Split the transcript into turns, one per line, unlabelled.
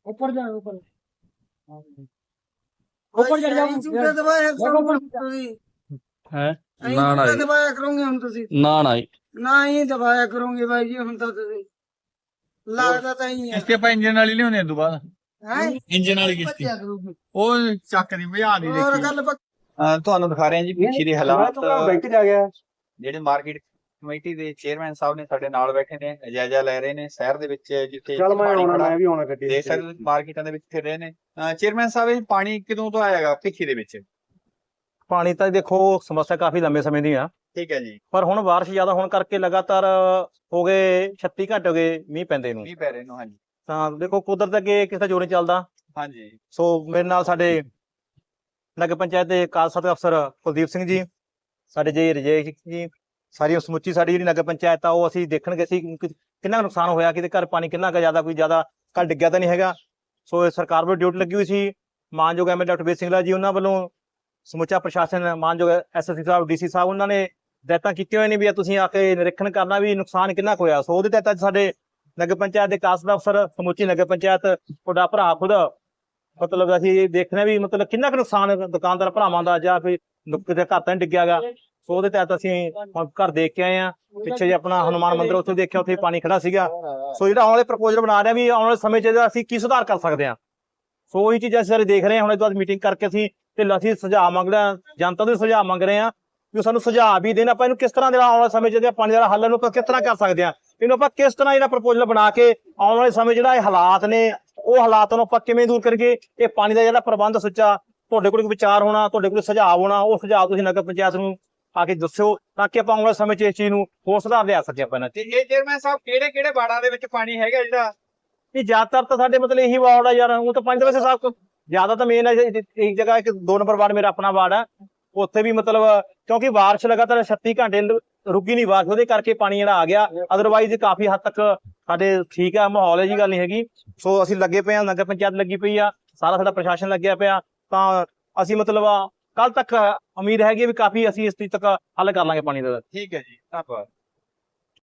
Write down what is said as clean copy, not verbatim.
ऊपर जा ऊपर ऊपर चढ़ जाओ
ਝੂਟੇ ਦਵਾਇਆ ਕਰੋਗੇ ਤੁਸੀਂ
ਹੈ
ਨਾ ਨਾ ਦਵਾਇਆ ਕਰੋਗੇ ਹੁਣ ਤੁਸੀਂ
ਨਾ ਨਾ ਜੀ।
ਨਾ ਹੀ ਦਵਾਇਆ ਕਰੋਗੇ ਬਾਈ ਜੀ ਹੁਣ ਤਾਂ ਤੁਸੀਂ ਲੱਗਦਾ ਤਾਂ ਹੀ ਹੈ
ਕਿਸ਼ਤੀ ਆਪਾਂ ਇੰਜਨ ਵਾਲੀ ਲਿਆਉਣੇ ਤੋਂ ਬਾਅਦ
ਹੈ
ਇੰਜਨ ਵਾਲੀ ਕਿਸ਼ਤੀ ਉਹ ਚੱਕ ਦੀ ਭਜਾ ਦੀ
ਹੋਰ
ਦੇਖੀ
ਗੱਲ
ਤੁਹਾਨੂੰ ਦਿਖਾ ਰਹੇ ਹਾਂ ਜੀ ਪਿੱਛੇ ਦੇ ਹਾਲਾਤ
ਬੈਠ ਜਾ ਗਿਆ
ਜਿਹੜੇ ਮਾਰਕੀਟ ਕਮੇਟੀ ਦੇ ਚੇਅਰਮੈਨ ਸਾਹਿਬ ਨੇ ਸਾਡੇ ਨਾਲ ਬੈਠੇ ਨੇ ਜਾਇਜ਼ਾ ਲੈ ਰਹੇ ਨੇ ਸ਼ਹਿਰ ਦੇ ਵਿੱਚ ਜਿੱਥੇ
ਚੱਲ ਮੈਂ
ਪਾਣੀ
ਆਉਣਾ
ਖੜਾ,
ਮੈਂ ਵੀ ਆਉਣਾ ਗੱਡੀ
ਦੇਖ ਸਕਦੇ ਹੋ ਮਾਰਕੀਟਾਂ ਦੇ ਵਿੱਚ ਫਿਰ ਰਹੇ ਨੇ। ਚੇਅਰਮੈਨ ਸਾਹਿਬ ਇਹ ਪਾਣੀ ਕਦੋਂ ਤੋਂ ਆਏਗਾ ਭਿੱਖੀ ਦੇ ਵਿੱਚ?
ਪਾਣੀ ਤਾਂ ਦੇਖੋ ਸਮੱਸਿਆ ਕਾਫੀ ਲੰਬੇ ਸਮੇਂ ਦੀ ਆ,
ਠੀਕ ਹੈ ਜੀ।
ਪਰ ਹੁਣ ਬਾਰਿਸ਼ ਜ਼ਿਆਦਾ ਹੋਣ ਕਰਕੇ ਲਗਾਤਾਰ ਹੋ ਗਏ 36 ਘੰਟੇ ਹੋ ਗਏ ਮੀਂਹ ਪੈਂਦੇ ਨੂੰ।
ਮੀਂਹ ਪੈ ਰਹੇ ਨੂੰ, ਹਾਂਜੀ
ਤਾਂ ਦੇਖੋ ਕੁਦਰਤ ਅੱਗੇ ਕਿਸੇ ਦਾ ਜੋਰ ਨਹੀਂ ਚੱਲਦਾ।
ਹਾਂਜੀ
ਸੋ ਮੇਰੇ ਨਾਲ ਸਾਡੇ ਨਗਰ ਪੰਚਾਇਤ ਦੇ ਕਾਰਜਸਾਧਕ ਅਫਸਰ ਕੁਲਦੀਪ ਸਿੰਘ ਜੀ, ਸਾਡੇ ਜੀ ਰਜੇਸ਼ ਜੀ, ਸਾਰੀ ਸਮੁੱਚੀ ਸਾਡੀ ਜਿਹੜੀ ਨਗਰ ਪੰਚਾਇਤ ਆ ਉਹ ਅਸੀਂ ਦੇਖਣ ਗਏ ਸੀ ਕਿੰਨਾ ਕੁ ਨੁਕਸਾਨ ਹੋਇਆ, ਕਿਤੇ ਘਰ ਪਾਣੀ ਕਿੰਨਾ ਕੁ ਜ਼ਿਆਦਾ, ਕੋਈ ਜ਼ਿਆਦਾ ਘਰ ਡਿੱਗਿਆ ਤਾਂ ਨਹੀਂ ਹੈਗਾ। ਸੋ ਇਹ ਸਰਕਾਰ ਵੱਲੋਂ ਡਿਊਟੀ ਲੱਗੀ ਹੋਈ ਸੀ, ਮਾਨਯੋਗ ਐਮਐਲਏ ਡਾਕਟਰ ਬੇਦ ਸਿੰਘਲਾ ਜੀ ਉਹਨਾਂ ਵੱਲੋਂ ਸਮੁੱਚਾ ਪ੍ਰਸ਼ਾਸਨ, ਮਾਨਯੋਗ ਐਸਐਸਪੀ ਸਾਹਿਬ, ਡੀਸੀ ਸਾਹਿਬ, ਉਹਨਾਂ ਨੇ ਹਦਾਇਤਾਂ ਕੀਤੀਆਂ ਹੋਏ ਨੇ ਵੀ ਤੁਸੀਂ ਆ ਕੇ ਨਿਰੀਖਣ ਕਰਨਾ ਵੀ ਨੁਕਸਾਨ ਕਿੰਨਾ ਕੁ ਹੋਇਆ। ਸੋ ਉਹਦੇ ਤਹਿਤ ਅੱਜ ਸਾਡੇ ਨਗਰ ਪੰਚਾਇਤ ਦੇ ਕਾਰਜਸਾਧਕ ਅਫਸਰ, ਸਮੁੱਚੀ ਨਗਰ ਪੰਚਾਇਤ, ਤੁਹਾਡਾ ਭਰਾ ਖੁਦ, ਮਤਲਬ ਅਸੀਂ ਦੇਖਣਾ ਵੀ ਮਤਲਬ ਕਿੰਨਾ ਕੁ ਨੁਕਸਾਨ ਦੁਕਾਨਦਾਰ ਭਰਾਵਾਂ ਦਾ ਜਾਂ ਕੋਈ ਕਿਤੇ ਘਰ ਤਾਂ ਨਹੀਂ ਡਿੱਗਿਆ ਗਾ। ਸੋ ਉਹਦੇ ਤਹਿਤ ਅਸੀਂ ਹੁਣ ਘਰ ਦੇਖ ਕੇ ਆਏ ਆ। ਪਿੱਛੇ ਜੇ ਆਪਣਾ ਹਨੂਮਾਨ ਮੰਦਿਰ ਉੱਥੇ ਦੇਖਿਆ, ਉੱਥੇ ਪਾਣੀ ਖੜਾ ਸੀਗਾ। ਸੋ ਜਿਹੜਾ ਆਉਣ ਵਾਲੇ ਪ੍ਰਪੋਜ਼ਲ ਬਣਾ ਰਹੇ ਆ ਵੀ ਆਉਣ ਵਾਲੇ ਸਮੇਂ 'ਚ ਅਸੀਂ ਕੀ ਸੁਧਾਰ ਕਰ ਸਕਦੇ ਹਾਂ। ਸੋ ਉਹੀ ਚੀਜ਼ਾਂ ਅਸੀਂ ਸਾਰੇ ਦੇਖ ਰਹੇ ਹਾਂ। ਹੁਣ ਇਹ ਤੋਂ ਬਾਅਦ ਮੀਟਿੰਗ ਕਰਕੇ ਅਸੀਂ ਅਸੀਂ ਸੁਝਾਅ ਮੰਗ ਰਹੇ ਹਾਂ, ਜਨਤਾ ਤੋਂ ਸੁਝਾਅ ਮੰਗ ਰਹੇ ਹਾਂ ਵੀ ਸਾਨੂੰ ਸੁਝਾਅ ਵੀ ਦੇਣ, ਆਪਾਂ ਇਹਨੂੰ ਕਿਸ ਤਰ੍ਹਾਂ ਦੇ ਆਉਣ ਵਾਲੇ ਸਮੇਂ 'ਚ ਪਾਣੀ ਦਾ ਹੱਲ ਨੂੰ ਆਪਾਂ ਕਿਸ ਤਰ੍ਹਾਂ ਕਰ ਸਕਦੇ ਹਾਂ, ਇਹਨੂੰ ਆਪਾਂ ਕਿਸ ਤਰ੍ਹਾਂ ਜਿਹੜਾ ਪ੍ਰਪੋਜ਼ਲ ਬਣਾ ਕੇ ਆਉਣ ਵਾਲੇ ਸਮੇਂ ਜਿਹੜਾ ਇਹ ਹਾਲਾਤ ਨੇ ਉਹ ਹਾਲਾਤਾਂ ਨੂੰ ਆਪਾਂ ਕਿਵੇਂ ਦੂਰ ਕਰੀਏ। ਇਹ ਪਾਣੀ ਦਾ ਜਿਹੜਾ ਪ੍ਰਬੰਧ ਸੁੱਚਾ, ਤੁਹਾਡੇ ਕੋਲ ਕੋਈ ਵਿਚਾਰ ਹੋਣਾ, ਤੁਹਾਡੇ ਕੋਲ ਸੁਝਾਅ ਹੋਣਾ, ਉਹ ਸੁਝਾਅ ਤੁਸੀਂ ਨਗਰ ਪੰਚਾਇਤ ਨੂੰ ਆ ਕੇ ਦੱਸਿਓ ਤਾਂ ਕਿ ਆਪਾਂ ਆਉਣ ਵਾਲੇ ਸਮੇਂ 'ਚ ਇਸ ਚੀਜ਼ ਨੂੰ ਹੋਰ ਸੁਧਾਰ ਲਿਆ ਸਕੀਏ ਆਪਾਂ ਇਹਨਾਂ 'ਚ।
ਤੇ ਇਹ ਚੇਅਰਮੈਨ ਸਾਹਿਬ ਕਿਹੜੇ ਕਿਹੜੇ ਵਾਰਡਾਂ ਦੇ ਵਿੱਚ ਪਾਣੀ ਹੈਗਾ ਜਿਹੜਾ?
ਇਹ ਜ਼ਿਆਦਾਤਰ ਤਾਂ ਸਾਡੇ ਮਤਲਬ ਇਹੀ ਵਾਰਡ ਆ ਯਾਰ, ਉਹ ਤਾਂ ਪੰਜ ਵੈਸੇ ਸਾਹਿਬ ਜ਼ਿਆਦਾ ਤਾਂ ਮੇਨ ਹੈ ਇੱਕ ਜਗ੍ਹਾ, ਇੱਕ 2 ਨੰਬਰ ਵਾਰਡ ਮੇਰਾ ਆਪਣਾ ਵਾਰਡ ਆ, ਉੱਥੇ ਵੀ ਮਤਲਬ ਕਿਉਂਕਿ ਬਾਰਿਸ਼ ਲਗਾਤਾਰ 36 ਘੰਟੇ ਰੁਕੀ ਨਹੀਂ ਬਾਰਿਸ਼, ਉਹਦੇ ਕਰਕੇ ਪਾਣੀ ਜਿਹੜਾ ਆ ਗਿਆ। ਅਦਰਵਾਈਜ਼ ਕਾਫੀ ਹੱਦ ਤੱਕ ਸਾਡੇ ਠੀਕ ਆ ਮਾਹੌਲ, ਇਹ ਜੀ ਗੱਲ ਨਹੀਂ ਹੈਗੀ। ਸੋ ਅਸੀਂ ਲੱਗੇ ਪਏ ਆ, ਨਗਰ ਪੰਚਾਇਤ ਲੱਗੀ ਪਈ ਆ, ਸਾਰਾ ਸਾਡਾ ਪ੍ਰਸ਼ਾਸਨ ਲੱਗਿਆ ਪਿਆ, ਤਾਂ ਅਸੀਂ ਮਤਲਬ ਕੱਲ ਤੱਕ ਉਮੀਦ ਹੈਗੀ ਵੀ ਕਾਫੀ ਅਸੀਂ ਇਸ ਚੀਜ਼ ਤੱਕ ਹੱਲ ਕਰ ਲਾਂਗੇ ਪਾਣੀ ਦਾ।
ਠੀਕ ਹੈ ਜੀ, ਧੰਨਵਾਦ।